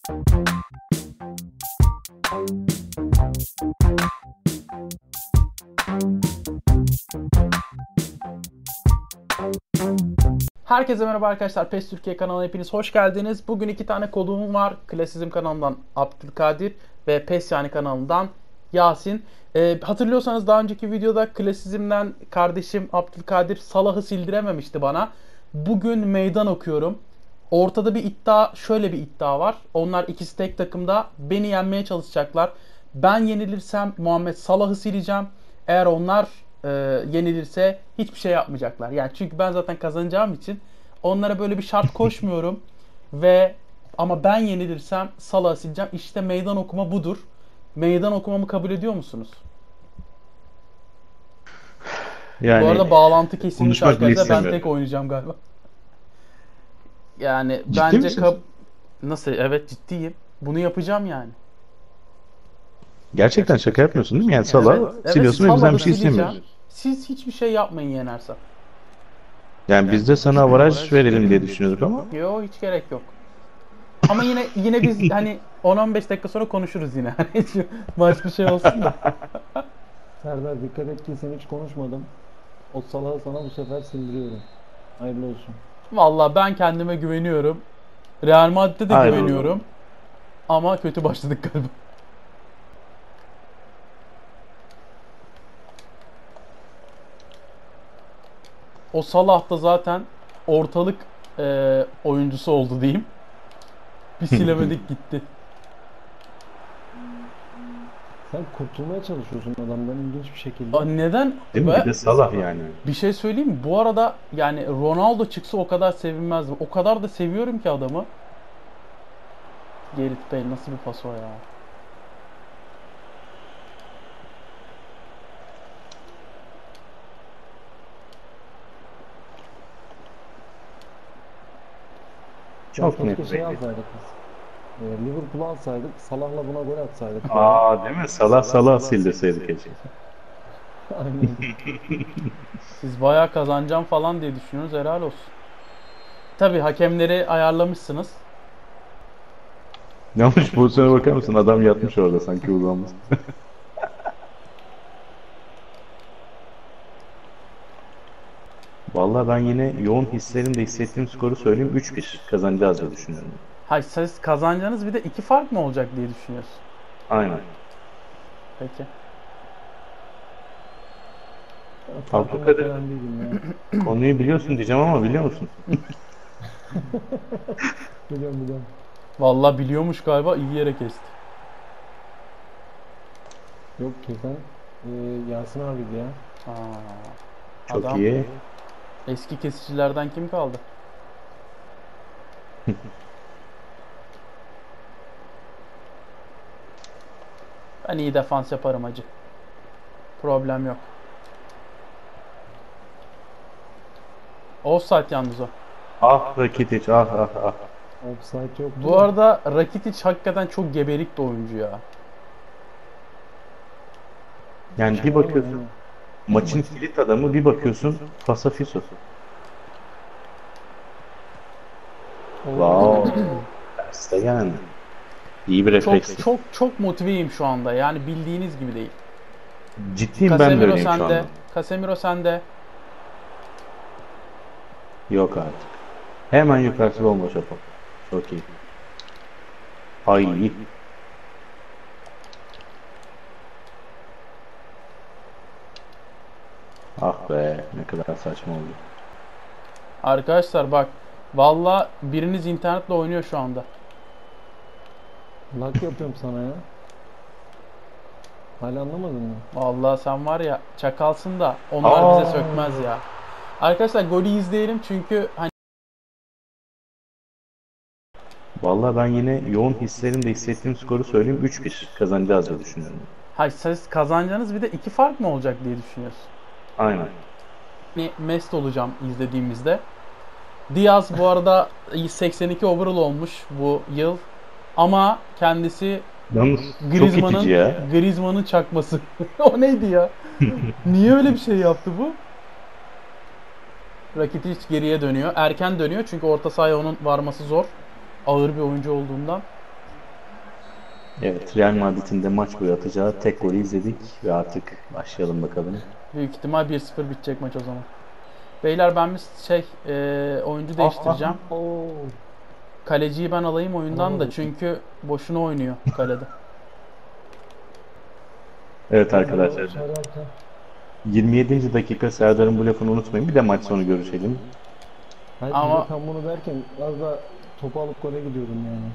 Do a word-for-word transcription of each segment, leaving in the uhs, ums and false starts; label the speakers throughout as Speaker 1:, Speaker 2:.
Speaker 1: Herkese merhaba arkadaşlar. PES Türkiye kanalına hepiniz hoş geldiniz. Bugün iki tane konuğum var. Klasizm kanalından Abdülkadir ve PES yani kanalından Yasin. Ee, hatırlıyorsanız daha önceki videoda Klasizm'den kardeşim Abdülkadir Salah'ı sildirememişti bana. Bugün meydan okuyorum. Ortada bir iddia, şöyle bir iddia var. Onlar ikisi tek takımda beni yenmeye çalışacaklar. Ben yenilirsem Muhammed Salah'ı sileceğim. Eğer onlar e, yenilirse hiçbir şey yapmayacaklar. Yani çünkü ben zaten kazanacağım için onlara böyle bir şart koşmuyorum ve ama ben yenilirsem Salah'ı sileceğim. İşte meydan okuma budur. Meydan okumamı kabul ediyor musunuz?
Speaker 2: Yani
Speaker 1: Bu arada bağlantı kesilmiş
Speaker 2: konuşmak bile
Speaker 1: arkadaşlar. Ben
Speaker 2: istemiyorum.
Speaker 1: tek oynayacağım galiba. Yani
Speaker 2: Ciddi
Speaker 1: bence
Speaker 2: misin?
Speaker 1: kab- nasıl? Evet, ciddiyim. Bunu yapacağım yani.
Speaker 2: Gerçekten şaka yapmıyorsun değil mi? Yani Salah
Speaker 1: Evet, evet,
Speaker 2: siliyorsun ve bizden
Speaker 1: Salah'ı
Speaker 2: bir şey
Speaker 1: sileceğim.
Speaker 2: istemiyorsun.
Speaker 1: Siz hiçbir şey yapmayın yenersem.
Speaker 2: Yani biz de sana avaraj verelim diye düşünüyorduk ama
Speaker 1: Yo, hiç gerek yok. Ama yine yine biz hani on on beş dakika sonra konuşuruz yine. Hani şu maç bir şey olsun da.
Speaker 3: Serdar dikkat et ki sen hiç konuşmadım. O salağı sana bu sefer sildiriyorum. Hayırlı olsun.
Speaker 1: Vallahi ben kendime güveniyorum. Real Madrid'e de
Speaker 2: Hayır.
Speaker 1: güveniyorum. Ama kötü başladık galiba. O Salah da zaten ortalık e, oyuncusu oldu diyeyim. Bir silemedik gitti.
Speaker 3: Sen kurtulmaya çalışıyorsun adamdan ilginç bir şekilde.
Speaker 1: Aa, neden?
Speaker 2: değil mi?
Speaker 1: Ve
Speaker 2: Bir de Salah yani.
Speaker 1: bir şey söyleyeyim mi? Bu arada yani Ronaldo çıksa o kadar sevinmezdim. O kadar da seviyorum ki adamı. Gareth Bale nasıl bir pas o ya?
Speaker 3: Ya
Speaker 2: Çok net
Speaker 3: keşke şey
Speaker 2: belli.
Speaker 3: alsaydık biz. Ee, Liverpool'u alsaydık. Salah'la buna gol atsaydık.
Speaker 2: Aa değil mi? Salah Salah sildirseydik keşke.
Speaker 3: Aynen.
Speaker 1: Siz bayağı kazanacağım falan diye düşünüyorsunuz. Helal olsun. Tabii hakemleri ayarlamışsınız.
Speaker 2: Yanlış pozisyona bakar mısın? Adam yatmış orada sanki uzanmış. Vallahi ben yine yoğun hislerimle hissettiğim skoru söyleyeyim. üç bir kazanacağız diye düşünüyorum.
Speaker 1: Hayır, siz kazanacağınız bir de iki fark mı olacak diye düşünüyorsun.
Speaker 2: Aynen.
Speaker 1: Peki.
Speaker 3: Farkında
Speaker 2: Abdülkadir
Speaker 3: falan değilim ya.
Speaker 2: konuyu biliyorsun diyeceğim ama biliyor musun?
Speaker 3: Biliyorum biliyorum.
Speaker 1: Vallahi biliyormuş galiba, iyi yere kesti.
Speaker 3: Yok kesen e, Yasin abiydi ya.
Speaker 1: Aa,
Speaker 2: Çok
Speaker 1: adam
Speaker 2: iyi.
Speaker 1: eski kesicilerden kim kaldı? Ben iyi defans yaparım hacı. Problem yok. Offside yalnız o.
Speaker 2: Ah Rakitic ah ah ah.
Speaker 3: Offside yok.
Speaker 1: Bu arada Rakitic hakikaten çok geberik bir oyuncu ya.
Speaker 2: Yani bir bakıyorsun maçın kilit adamı, bir bakıyorsun Fasafiso. Wow. Stegen. İyi bir
Speaker 1: Çok
Speaker 2: refleksli.
Speaker 1: çok çok motiveyim şu anda. Yani bildiğiniz gibi değil.
Speaker 2: Ciddiyim, ben de
Speaker 1: Casemiro
Speaker 2: öyleyim şu
Speaker 1: sende.
Speaker 2: anda.
Speaker 1: Casemiro sende.
Speaker 2: Yok artık. Hemen yukarısı bomboş yapalım. Çok iyi. Ay. Ah be, ne kadar saçma oldu.
Speaker 1: Arkadaşlar bak. Valla biriniz internetle oynuyor şu anda.
Speaker 3: Lak yapıyorum sana ya. Hala anlamadın mı?
Speaker 1: Vallahi sen var ya çakalsın da onlar
Speaker 2: Aa.
Speaker 1: bize sökmez ya. Arkadaşlar golü izleyelim çünkü hani
Speaker 2: Vallahi ben yine yoğun hislerimle hissettiğim skoru söyleyeyim. üç bir kazanacağız diye düşünüyorum.
Speaker 1: hayır, siz kazanacağınız bir de iki fark mı olacak diye düşünüyorsun.
Speaker 2: Aynen.
Speaker 1: Hani mest olacağım izlediğimizde. Diaz bu arada seksen iki overall olmuş bu yıl. Ama kendisi
Speaker 2: Yalnız çok itici
Speaker 1: Griezmann'ın
Speaker 2: ya.
Speaker 1: Griezmann'ın çakması. O neydi ya? Niye öyle bir şey yaptı bu? Rakitic geriye dönüyor. Erken dönüyor çünkü orta sahaya onun varması zor. Ağır bir oyuncu olduğundan.
Speaker 2: Evet, Real Madrid'in de maç boyu atacağı tek golü izledik ve artık başlayalım bakalım.
Speaker 1: Büyük ihtimal bir sıfır bitecek maç o zaman. Beyler ben bir şey e, oyuncu değiştireceğim.
Speaker 3: Ah, ah, oo.
Speaker 1: Kaleciyi ben alayım oyundan da
Speaker 3: Alamadım.
Speaker 1: çünkü boşuna oynuyor kalede.
Speaker 2: Evet
Speaker 3: Kadro
Speaker 2: arkadaşlar,
Speaker 3: Serhat'a.
Speaker 2: yirmi yedinci dakika Serdar'ın bu lafını unutmayın. Bir de maç sonu görüşelim.
Speaker 3: Hayır, bir
Speaker 1: Ama
Speaker 3: de tam bunu derken az da topu alıp gole gidiyordum yani.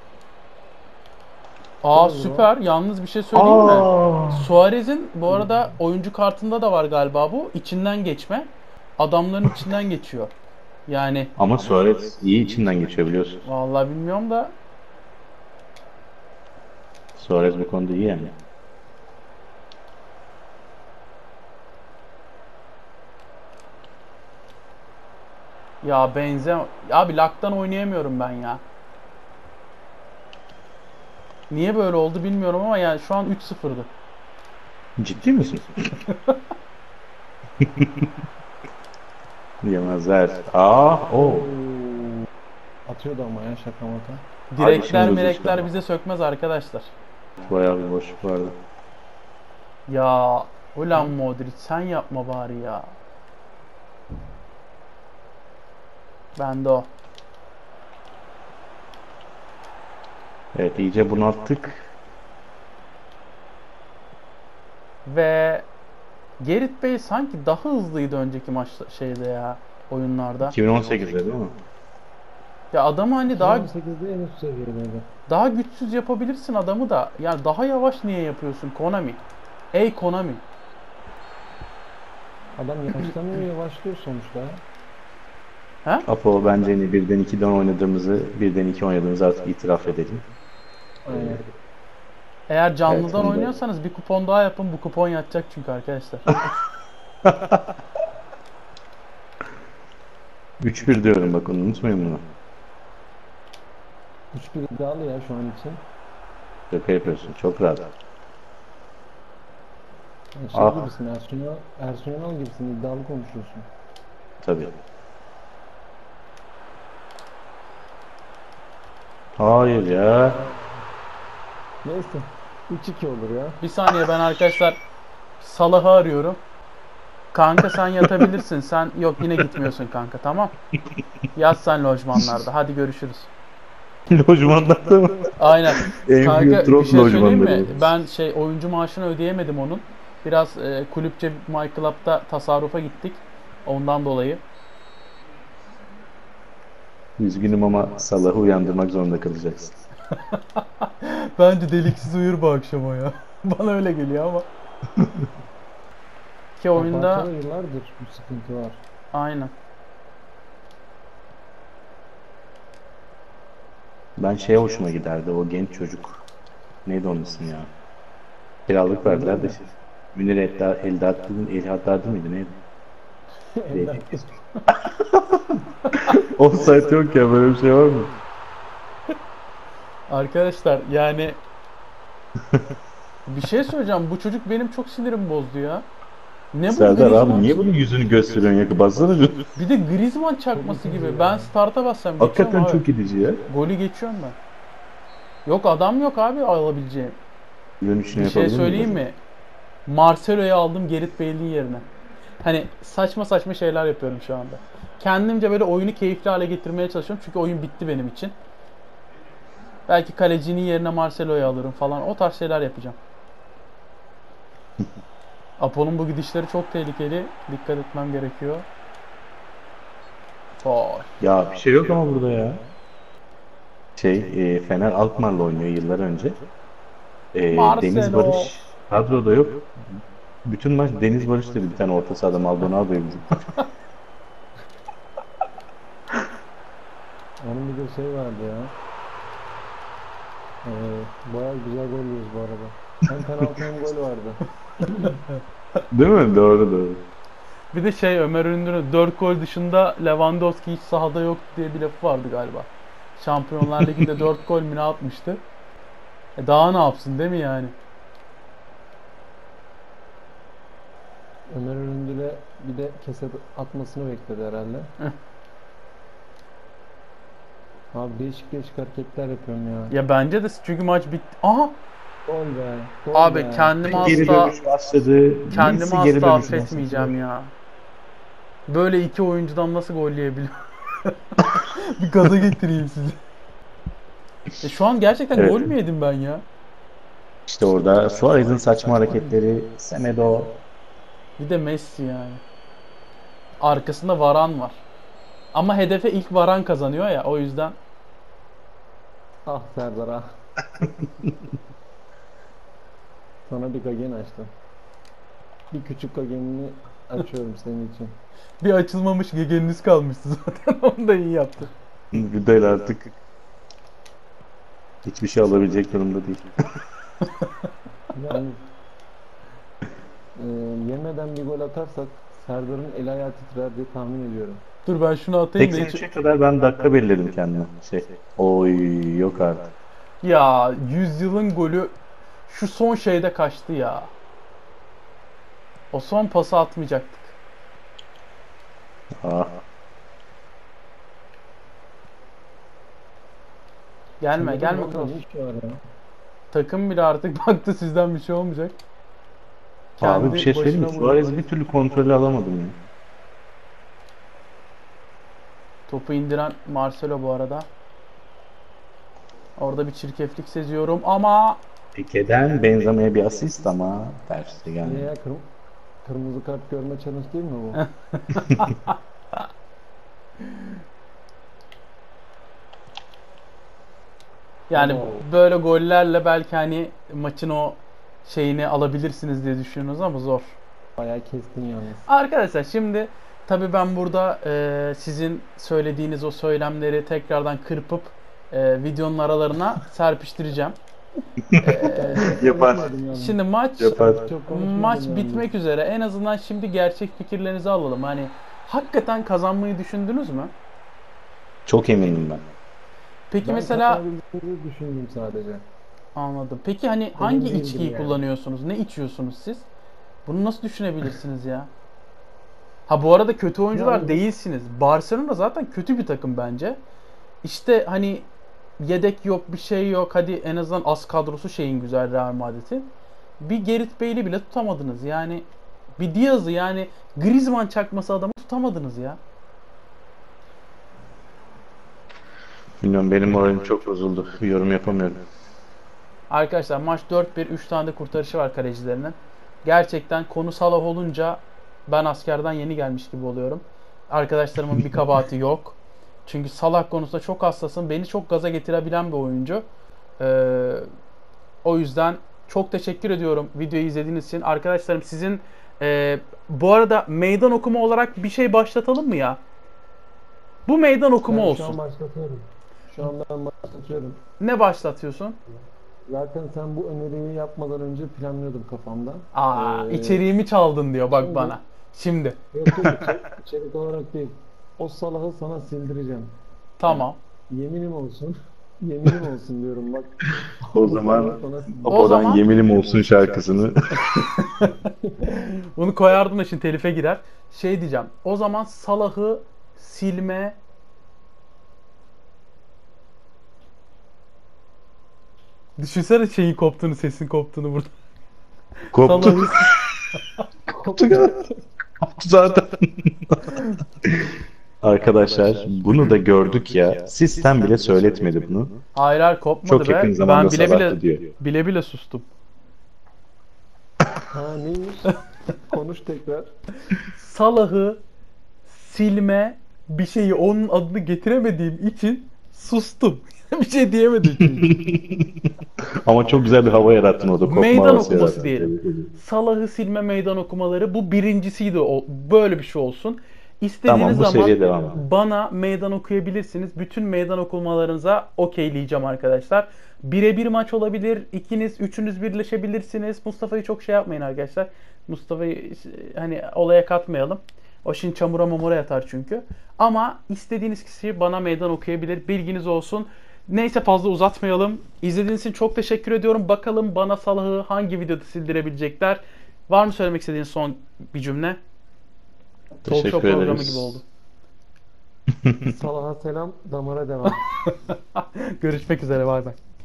Speaker 1: aa
Speaker 3: Şöyle bro.
Speaker 1: süper. Yalnız bir şey söyleyeyim mi?
Speaker 2: Aa!
Speaker 1: Suarez'in bu arada oyuncu kartında da var galiba bu. İçinden geçme. Adamların içinden geçiyor. Yani
Speaker 2: Ama Suarez iyi içinden geçiyor biliyorsun.
Speaker 1: vallahi bilmiyorum da
Speaker 2: Suarez bu konuda iyi yani.
Speaker 1: ya benze abi laktan oynayamıyorum ben ya. Niye böyle oldu bilmiyorum ama yani şu an üç sıfırdı.
Speaker 2: Ciddi misin? Yemezler. Aa, o.
Speaker 3: Oo. Atıyordu ama ya şaka maka.
Speaker 1: Direkler
Speaker 2: şimdi
Speaker 1: melekler
Speaker 2: gözü
Speaker 1: bize sökmez arkadaşlar.
Speaker 2: Bayağı bir boşluk vardı.
Speaker 1: Ya ulan Modric sen yapma bari ya. Bende o.
Speaker 2: Evet, iyice bunalttık.
Speaker 1: Ve Gerrit Bey sanki daha hızlıydı önceki maç şeyde ya oyunlarda.
Speaker 2: iki bin on sekizde değil mi?
Speaker 1: Ya adamı hani daha
Speaker 3: iki bin on sekizde en üst seviyedeydi.
Speaker 1: daha güçsüz yapabilirsin adamı da. Yani daha yavaş niye yapıyorsun Konami? Ey Konami.
Speaker 3: Adam yaşlanıyor, yavaşlıyor sonuçta.
Speaker 2: Apo, bence yine birden ikiden oynadığımızı, birden iki oynadığımızı artık itiraf edelim.
Speaker 3: Aynen.
Speaker 1: Eğer canlıdan
Speaker 2: Evet, onu da-
Speaker 1: oynuyorsanız bir kupon daha yapın. Bu kupon yatacak çünkü arkadaşlar.
Speaker 2: üç bir diyorum, bak onu unutmayın bunu.
Speaker 3: üç bir iddialı ya şu an için.
Speaker 2: Şaka yapıyorsun, çok rahat.
Speaker 3: Yani şey
Speaker 2: Ah.
Speaker 3: gibisin, Ersun Yanal, Ersun Yanal gibisin, iddialı konuşuyorsun.
Speaker 2: Tabii. Hayır ya.
Speaker 3: Neyse, üç iki olur ya.
Speaker 1: Bir saniye ben arkadaşlar Salah'ı arıyorum. Kanka sen yatabilirsin. Sen yok yine gitmiyorsun kanka tamam. Yat sen lojmanlarda. Hadi görüşürüz.
Speaker 2: Lojmanlarda mı?
Speaker 1: Aynen.
Speaker 2: En
Speaker 1: Kanka
Speaker 2: büyük
Speaker 1: bir
Speaker 2: drop
Speaker 1: şey söyleyeyim mi?
Speaker 2: lojmanları.
Speaker 1: Ben şey oyuncu maaşını ödeyemedim onun. Biraz e, kulüpçe My Club'da tasarrufa gittik. Ondan dolayı.
Speaker 2: Üzgünüm ama Salah'ı uyandırmak zorunda kalacaksın.
Speaker 1: Bence deliksiz uyur bu akşam o ya. Bana öyle geliyor ama. Ki oyunda
Speaker 3: Abartıda yıllardır bu sıkıntı var.
Speaker 1: aynen.
Speaker 2: Ben şeye hoşuma giderdi, o genç çocuk. Neydi onun ismi ya? Kiralık verdiler de şey. Münir Eldar, Eldar, Elhaddadi mıydı neydi? Değil. Offside yok ya, böyle bir şey var mı?
Speaker 1: Arkadaşlar yani bir şey söyleyeceğim. Bu çocuk benim çok sinirimi bozdu ya. Ne bu
Speaker 2: Serdar
Speaker 1: Griezmann?
Speaker 2: abi niye bunun yüzünü gösteriyorsun ya? Bassana bir.
Speaker 1: Bir de Griezmann çakması gibi. Ben start'a bassam geçiyorum
Speaker 2: Hakikaten
Speaker 1: abi.
Speaker 2: çok gidici ya.
Speaker 1: Golü geçiyorum ben. Yok adam yok abi alabileceğim.
Speaker 2: Dönüşünü
Speaker 1: Bir şey
Speaker 2: yapabilir
Speaker 1: söyleyeyim
Speaker 2: miyim?
Speaker 1: mi? Marcelo'yu aldım Gerrit Bale'in yerine. Hani saçma saçma şeyler yapıyorum şu anda. Kendimce böyle oyunu keyifli hale getirmeye çalışıyorum. Çünkü oyun bitti benim için. Belki kalecinin yerine Marcelo'yu alırım falan. O tarz şeyler yapacağım. Apo'nun bu gidişleri çok tehlikeli. Dikkat etmem gerekiyor. Vay.
Speaker 2: Ya bir şey yok ama burada ya. Şey, e, Fener Alkmaar'la oynuyor yıllar önce. E,
Speaker 1: Marcelo.
Speaker 2: Deniz Barış kadroda yok. Bütün maç Deniz Barış dedi, bir tane orta sahada Maldonado'yu bizim.
Speaker 3: Onun bir de şey vardı ya. Ee, bayağı güzel gol yiyoruz bu arada. Hem penaltı hem gol vardı.
Speaker 2: Değil mi? Doğru doğru.
Speaker 1: Bir de şey Ömer Ünlü'nün dört gol dışında Lewandowski hiç sahada yok diye bir lafı vardı galiba. Şampiyonlar Ligi'nde dört gol mü ne atmıştı? E daha ne yapsın değil mi yani?
Speaker 3: Ömer Öründül'e bir de keset atmasını bekledi herhalde. Abi değişik değişik hareketler yapıyorum ya.
Speaker 1: Ya bence de çünkü maç bitti. Aha!
Speaker 3: Gol be. Gol
Speaker 1: Abi
Speaker 3: be.
Speaker 1: kendimi
Speaker 2: Geri
Speaker 1: asla
Speaker 2: dönüş başladı.
Speaker 1: kendimi
Speaker 2: Messi geri
Speaker 1: asla
Speaker 2: dönüş
Speaker 1: affetmeyeceğim
Speaker 2: başladı.
Speaker 1: ya. Böyle iki oyuncudan nasıl gol yiyebiliyor? Bir gaza getireyim sizi. E şu an gerçekten
Speaker 2: Evet.
Speaker 1: gol mü yedim ben ya?
Speaker 2: İşte orada Suarez'in saçma hareketleri, Semedo.
Speaker 1: Bir de Messi yani. Arkasında Varan var. Ama hedefe ilk Varan kazanıyor ya, o yüzden.
Speaker 3: Ah Serdar ah. Sana bir kagen açtım. Bir küçük kagenini açıyorum senin için.
Speaker 1: Bir açılmamış gegeniniz kalmıştı zaten. Onu da iyi yaptı.
Speaker 2: Güdel artık hiçbir şey alabilecek durumda değil.
Speaker 3: Yani e, yemeden bir gol atarsak Serdar'ın el ayağı titrer diye tahmin ediyorum.
Speaker 1: Dur ben şunu atayım da hiç...
Speaker 2: seksen üçe kadar ben dakika belirledim kendime. Şey, oy yok artık.
Speaker 1: Ya yüzyılın golü şu son şeyde kaçtı ya. O son pası atmayacaktık.
Speaker 2: Ah,
Speaker 1: Gelme
Speaker 3: Şimdi
Speaker 1: gelme
Speaker 3: bu
Speaker 1: Kroos.
Speaker 3: ne iş var ya?
Speaker 1: Takım bile artık baktı sizden bir şey olmayacak.
Speaker 2: abi bir şey söyleyeyim mi?
Speaker 1: başına
Speaker 2: Suarez'i
Speaker 1: vurdu.
Speaker 2: bir türlü kontrolü alamadım ya.
Speaker 1: Topu indiren Marcelo bu arada. Orada bir çirkeflik seziyorum ama
Speaker 2: Pike'den Benzema'ya bir asist ama tersi
Speaker 3: Niye
Speaker 2: geldi.
Speaker 3: ya kırm kırmızı kart görme challenge değil mi bu?
Speaker 1: yani
Speaker 3: Oo.
Speaker 1: böyle gollerle belki hani maçın o şeyini alabilirsiniz diye düşünüyorsunuz ama zor.
Speaker 3: Bayağı kestin yalnız.
Speaker 1: Arkadaşlar şimdi tabii ben burada e, sizin söylediğiniz o söylemleri tekrardan kırpıp e, videonun aralarına serpiştireceğim. E,
Speaker 2: Yapar.
Speaker 3: Konuşmadım yalnız.
Speaker 1: şimdi maç
Speaker 2: Yapar.
Speaker 3: Çok konuşmadım
Speaker 1: maç
Speaker 3: yalnız.
Speaker 1: bitmek üzere. En azından şimdi gerçek fikirlerinizi alalım. Hani hakikaten kazanmayı düşündünüz mü?
Speaker 2: Çok eminim ben.
Speaker 1: Peki
Speaker 3: Ben
Speaker 1: mesela
Speaker 3: kazanabildiğimizi düşündüm sadece.
Speaker 1: anladım. Peki hani hangi
Speaker 3: değildim
Speaker 1: içkiyi
Speaker 3: yani.
Speaker 1: kullanıyorsunuz? Ne içiyorsunuz siz? Bunu nasıl düşünebilirsiniz ya? Ha bu arada kötü oyuncular
Speaker 3: Yani-
Speaker 1: değilsiniz. Barcelona zaten kötü bir takım bence. İşte hani yedek yok, bir şey yok. Hadi en azından az kadrosu şeyin güzel Real Madrid'in. Bir Gareth Bale'i bile tutamadınız. Yani bir Diaz'ı yani Griezmann çakması adamı tutamadınız ya.
Speaker 2: Bilmiyorum benim moralim çok bozuldu. Yorum yapamıyorum.
Speaker 1: Arkadaşlar maç dört bir, üç tane de kurtarışı var kalecilerinin. Gerçekten konu Salah olunca ben askerden yeni gelmiş gibi oluyorum. Arkadaşlarımın bir kabahati yok. Çünkü Salah konusunda çok hassasım. Beni çok gaza getirebilen bir oyuncu. Ee, o yüzden çok teşekkür ediyorum videoyu izlediğiniz için. Arkadaşlarım sizin e, bu arada meydan okuma olarak bir şey başlatalım mı ya? Bu meydan okuma
Speaker 3: Ben şu
Speaker 1: olsun.
Speaker 3: an başlatıyorum. Şu an ben başlatıyorum.
Speaker 1: Ne başlatıyorsun?
Speaker 3: Zaten sen bu öneriyi yapmadan önce planlıyordum kafamda.
Speaker 1: Aa,
Speaker 3: Ee,
Speaker 1: içeriğimi çaldın diyor bak
Speaker 3: şimdi-
Speaker 1: bana. Şimdi.
Speaker 3: Yok yok içerik, içerik olarak değil. O Salah'ı sana sildireceğim.
Speaker 1: Tamam.
Speaker 3: Yeminim olsun. Yeminim olsun diyorum bak.
Speaker 2: O zaman
Speaker 3: Salah'ı sana sildireceğim.
Speaker 1: O
Speaker 2: Apo'dan
Speaker 1: zaman-
Speaker 2: Yeminim Olsun şarkısını
Speaker 1: Bunu koyardım da şimdi telife girer. Şey diyeceğim. O zaman Salah'ı silme Düşünsene şeyin koptuğunu, sesin koptuğunu burada.
Speaker 2: koptu.
Speaker 1: Salah'ı
Speaker 2: Koptu Koptu zaten. Arkadaşlar bunu da gördük ya. Sistem bile söyletmedi bunu.
Speaker 1: Hayır hayır kopmadı
Speaker 2: Çok
Speaker 1: be.
Speaker 2: yakın zamanda
Speaker 1: Ben bile
Speaker 2: Salah'tı
Speaker 1: bile
Speaker 2: diyor.
Speaker 1: bile bile sustum.
Speaker 3: Ha neymiş? Konuş tekrar.
Speaker 1: Salah'ı silme bir şeyi onun adını getiremediğim için sustum. Bir şey diyemedim çünkü.
Speaker 2: Ama çok güzel bir hava yarattın orada. Kopma
Speaker 1: Meydan
Speaker 2: havası
Speaker 1: okuması
Speaker 2: yarattın.
Speaker 1: diyelim. Salah'ı silme meydan okumaları bu birincisiydi. O, böyle bir şey olsun. İstediğiniz
Speaker 2: Tamam, bu
Speaker 1: zaman
Speaker 2: seriye devam edelim.
Speaker 1: bana meydan okuyabilirsiniz. Bütün meydan okumalarınıza okeyleyeceğim arkadaşlar. Birebir maç olabilir. İkiniz, üçünüz birleşebilirsiniz. Mustafa'yı çok şey yapmayın arkadaşlar. Mustafa'yı hani olaya katmayalım. O şimdi çamura mamura yatar çünkü. Ama istediğiniz kişi bana meydan okuyabilir. Bilginiz olsun. Neyse fazla uzatmayalım. İzlediğiniz için çok teşekkür ediyorum. Bakalım bana Salah'ı hangi videoda sildirebilecekler. Var mı söylemek istediğin son bir cümle? Talk show
Speaker 2: Teşekkür
Speaker 1: programı
Speaker 2: ederiz.
Speaker 1: gibi oldu.
Speaker 3: Salah'a selam, damara devam.
Speaker 1: Görüşmek üzere, bay bay.